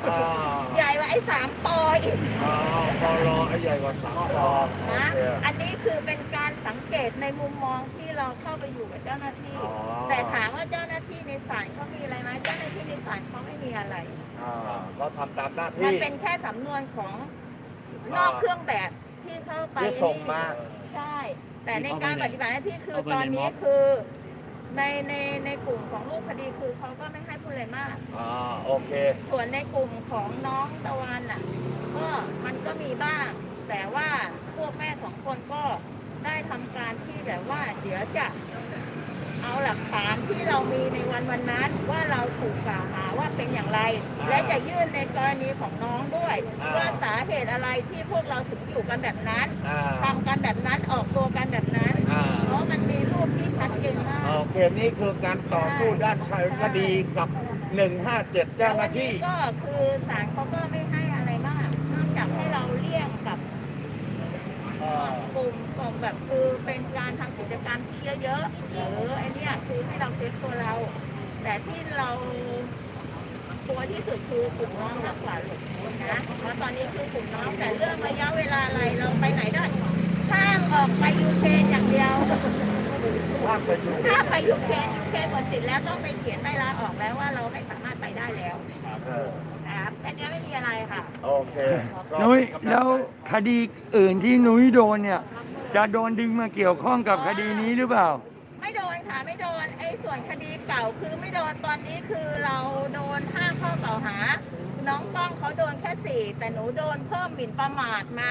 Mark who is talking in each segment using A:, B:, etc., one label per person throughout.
A: ใหญ่กว่าไอ้3 ปออีก
B: ปลไอ้ใหญ่กว่า3 ป
A: นะอันนี้คือเป็นการสังเกตในมุมมองที่เราเข้าไปอยู่กับเจ้าหน้าที่ แต่ถามว่าเจ้าหน้าที่ในศาลเขามีอะไรไหมเจ้าหน้าที่ในศาลเขาไม่มีอะไร
B: เราทำตามหน้าที่
A: มันเป็นแค่สำนวนของนอกเครื่องแบบที่เข้าไป
B: ที่ส่งมา
A: ใช่แต่ในการปฏิบัติหน้าที่คือตอนนี้คือในกลุ่มของรูปคดีคือเขาก็ไม่ให้พูดอะไรมาก
B: โอเค
A: ส่วนในกลุ่มของน้องตะวันอ่ะก็มันก็มีบ้างแต่ว่าพวกแม่2 คนก็ได้ทำการที่แบบว่าเดี๋ยวจะเอาหลักฐานที่เรามีในวันนั้นว่าเราถูกกล่าวหาว่าเป็นอย่างไรและจะยื่นในกรณีของน้องด้วยว่าสาเหตุอะไรที่พวกเราถึงอยู่กันแบบนั้นทำกันแบบนั้นออกตัวกันแบบนั้นเพราะมันมีรูปที่ชัดเจนมาก
B: โอเคนี่คือการต่อสู้ด้านคดีกับ157เจ้าหน้าที่
A: ก็คือศาลเขาก็ไม่ให้อะไรมากนอกจากให้เราเลี่ยงกับกลุ่มแบบคือเป็นการทำกิจกรรมที่เยอะๆหรือไอ้นี่คือให้เราเซฟตัวเราแต่ที่เราตัวที่สุดคือกลุ่มน้องมากกว่าหลกนะเพราะตอนนี้คือกลุ่มน้องแต่เรื่องระยะเวลาอะไรเราไปไหนได้ห้ามออกไปยูเครนอย่างเดียว
B: ถ้า
A: ไปยูเครนหมดสิทธิ์แล้วต้องไปเขียนใบลาออกแล้วว่าเราไม่สามารถไปได้แล้วครับแค่นี้ไม่มีอะไรค่ะ
B: โอเค
C: นุ้ยแล้วคดีอื่นที่นุ้ยโดนเนี่ยจะโดนดึงมาเกี่ยวข้องกับคดีนี้หรือเปล่า
A: ไม่โดนค่ะไม่โดนไอ้ส่วนคดีเก่าคือไม่โดนตอนนี้คือเราโดน5 ข้อกล่าวหาน้องป้องเขาโดนแค่4แต่หนูโดนเพิ่มหมิ่นประมาทมา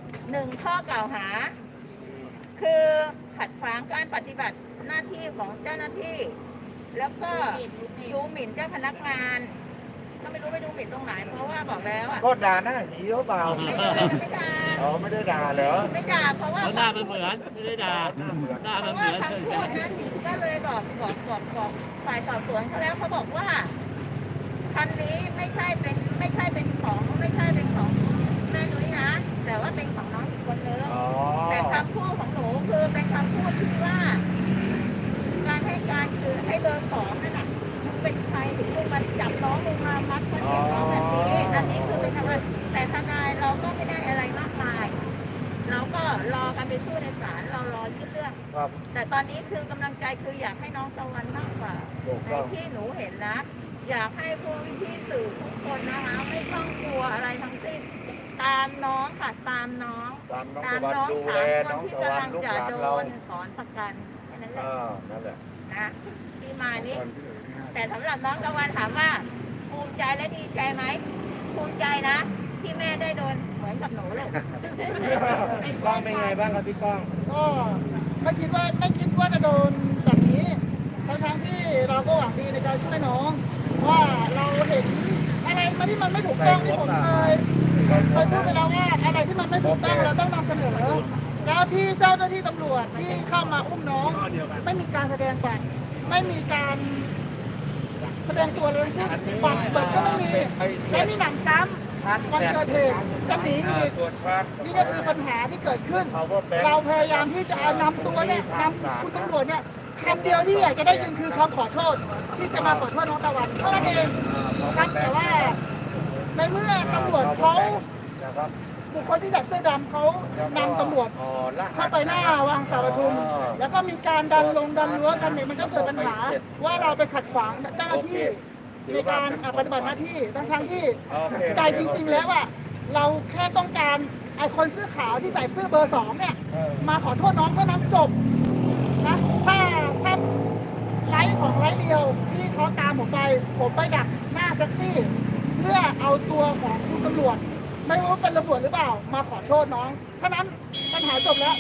A: 1 ข้อกล่าวหาคือขัดขวางการปฏิบัติหน้าที่ของเจ้าหน้าที่แล้วก็ดูหมิ่นเจ้าพนักงานก็ไม่รู้ไปดูหมิ่นตรงไหนเพราะว่าบอกแล้ว
B: ก็ด่าหน้าหีหรือเปล่า
A: ไม่ด่า
B: ไม่ได้ด่าเหรอ
A: ไม่ด่าเพราะว่า
D: หน้ามันเหมือนไม่ได้ด่าหน้ามันเหมือน
A: คำพูดนั้นก็เลยบอกฝ่ายสอบสวนเขาแล้วเขาบอกว่าคันนี้ไม่ใช่เป็นของแม่นุ้ยนะแต่ว่าเป็นของน้องอีกคนนึงแต่คำพูดของหนูคือเป็นคำพูดที่ว่าการให้การคือให้เบอร์2นั่นแหละเป็นใครถึงมาจับน้องลงมามัดคนเดียวน้องแบบนี้อันนี้คือเป็นทำไมแต่ทนายเราก็ไม่ได้อะไรมากมายเราก็รอกันไปสู้ในศาลเรารอยื่นเรื่องแต่ตอนนี้คือกำลังใจคืออยากให้น้องตะวันมากกว่าในที่หนูเห็นนะอยากให้พวกพี่สื่อทุกคนนะคะไม่ต้องกลัวอะไรทั้งสิ้นตามน้องค่ะตามน้อง
B: 3 คนที่กำลังจะโดน
A: ถอนประกันแค่นั้นแหละ
B: นั่นแหละ
A: นะที่มานี้แต่สำหรับน้องตะวันถามว่าภูมิใจและดีใจไหมภูมิใจนะที่แม่ได้โดนเหมือนกับหนูเลย
B: พี่ก้องเป็นไงบ้างครับพี่ก้อง
E: ก็ไม่คิดว่าจะโดนแบบนี้ทั้งที่เราก็หวังดีในการช่วยน้องว่าเราเห็นอะไรมาที่มันไม่ถูกต้องที่ผมเคยพูดไปแล้วว่าอะไรที่มันไม่ถูกต้องเราต้องนำเสนอแล้วที่เจ้าหน้าที่ตำรวจที่เข้ามาอุ้มน้องไม่มีการแสดงบัตรไม่มีการแสดงตัวเลยซึ่งบัตรก็ไม่มีและมีหนังซ้ำวันเกิดเหตุจะหนีอีกนี่ก็คือปัญหาที่เกิดขึ้นเราพยายามที่จะนำตัวเนี่ยนำคุณตำรวจเนี่ยคำเดียวที่อยากจะได้ยินคือคำขอโทษที่จะมาขอโทษน้องตะวันเท่านั้นเองครับแต่ว่าในเมื่อตำรวจเขาบุคคลที่ใส่เสื้อดำเขานำตำรวจเข้าไปหน้าวางสาวประทุมแล้วก็มีการดันรั้วกันเนี่ยมันก็เกิดปัญหาว่าเราไปขัดขวางเจ้าหน้าที่ในการปฏิบัติหน้าที่ทั้งที่ใจจริงๆแล้วอะเราแค่ต้องการไอ้คนเสื้อขาวที่ใส่เสื้อเบอร์2เนี่ยมาขอโทษน้องเท่านั้นจบนะถ้าไลฟ์ของไลฟ์เดียวที่เขาตามผมไปดักหน้าแท็กซี่เพื่อเอาตัวของคุณตำรวจไม่รู้เป็นตำรวจหรือเปล่ามาขอโทษน้องเท่านั้นปัญหาจบแล้ว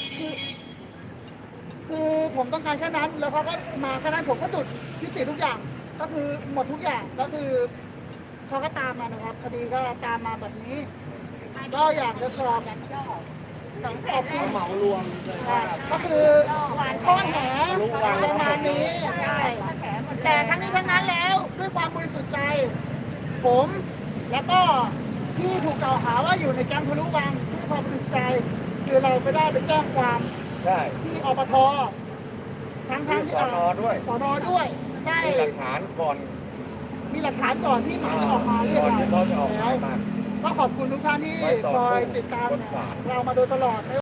E: คือผมต้องการแค่นั้นแล้วเขาก็มาแค่นั้นผมก็จุดยุติทุกอย่างก็คือหมดทุกอย่างก็คือเขาก็ตามมานะครับคดีก็ตามมาแบบนี้ก็อยากจะสอบ
A: 2 เพจแรก
D: เหมารวม
E: ก็คือข้อแหประมาณนี้ใช่แต่ทั้งนี้ทั้งนั้นแล้วด้วยความบริสุทธิ์ใจผมแล้วก็ที่ถูกกล่าวหาว่าอยู่ในแก๊งทะลุวังด้วยความบริสุทธิ์ใจคือเราไปได้ไปแจ้งความที่อปททั้งที่
B: สน.ด้วย
E: ได้
B: หลักฐานก่อน
E: มีหลักฐานก่อนที่หมายจะออกมาเรียก
B: ก่อน
E: เรา
B: ที่เขาจะออกหมายมา
E: ก็ขอบคุณทุกท่านที่
B: ไว้ต่อ
E: คอย
B: สู้
E: ติดตาม
B: บนศาล
E: เรามาโดยตลอด